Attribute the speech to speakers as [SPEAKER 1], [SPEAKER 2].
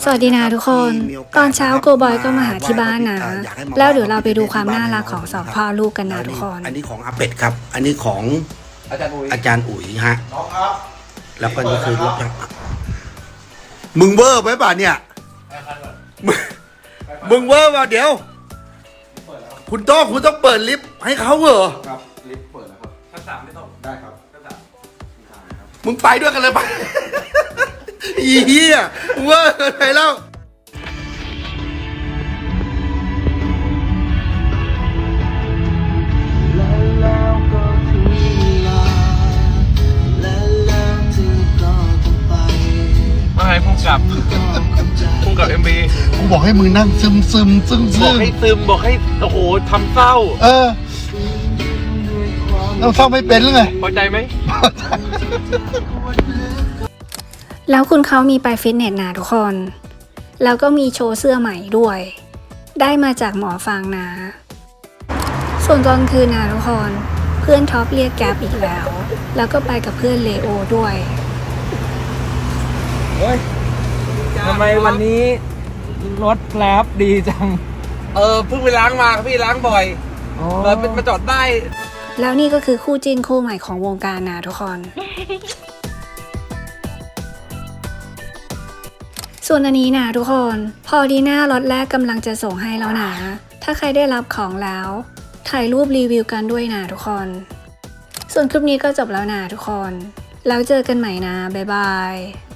[SPEAKER 1] สวัสดีนะทุกคน ตอนเช้าโกบอยก็มาหาที่บ้านนะ แล้วเดี๋ยวเราไปดูความน่ารักของสองพ่อลูกกันนะทุกคน
[SPEAKER 2] อันนี้ของอาเป็ดครับ อันนี้ของอาจารย์อุ๋ยฮะแล้วก็นี่คือรถมึงเวอร์ไหมป่ะเนี่ยมึงเวอร์ป่ะเดี๋ยวคุณต้องเปิดลิฟต์ให้เขาเหรอ
[SPEAKER 3] ครับลิฟต์เปิดแล้วครับชั้น 3ไม่ต้องได้ครับชั้น 3
[SPEAKER 2] มึงไปด้วยกันเลยไปอีเหี้ยเวอร์อะไรแล้ว
[SPEAKER 3] มาให้พุ่งกับMV
[SPEAKER 4] กูบอกให้มึงนั่งซึม
[SPEAKER 3] บอกให้ซึมบอกให้โอ้โหทำเศร้า
[SPEAKER 4] เราเศร้าไม่เป็นหรือไง
[SPEAKER 3] พอใจไหม
[SPEAKER 1] แล้วคุณเขามีไปฟิตเนสนะทุกคน แล้วก็มีโชว์เสื้อใหม่ด้วย ได้มาจากหมอฟางนะ ส่วนตอนคืนนะทุกคน เพื่อนท็อปเรียกแก๊ปอีกแล้ว แล้วก็ไปกับเพื่อนเลโอด้วย
[SPEAKER 5] เฮ้ยทำไมวันนี้รถแกร็บดีจัง
[SPEAKER 3] เพิ่งไปล้างมาครับพี่ล้างบ่อยเลยมาจอดได้
[SPEAKER 1] แล้วนี่ก็คือคู่จิ้นคู่ใหม่ของวงการนะทุกคน ส่วนอันนี้นะทุกคน พอดีหน้ารถแรกกำลังจะส่งให้แล้วนะ ถ้าใครได้รับของแล้ว ถ่ายรูปรีวิวกันด้วยนะทุกคน ส่วนคลิปนี้ก็จบแล้วนะทุกคน แล้วเจอกันใหม่นะ บ๊ายบาย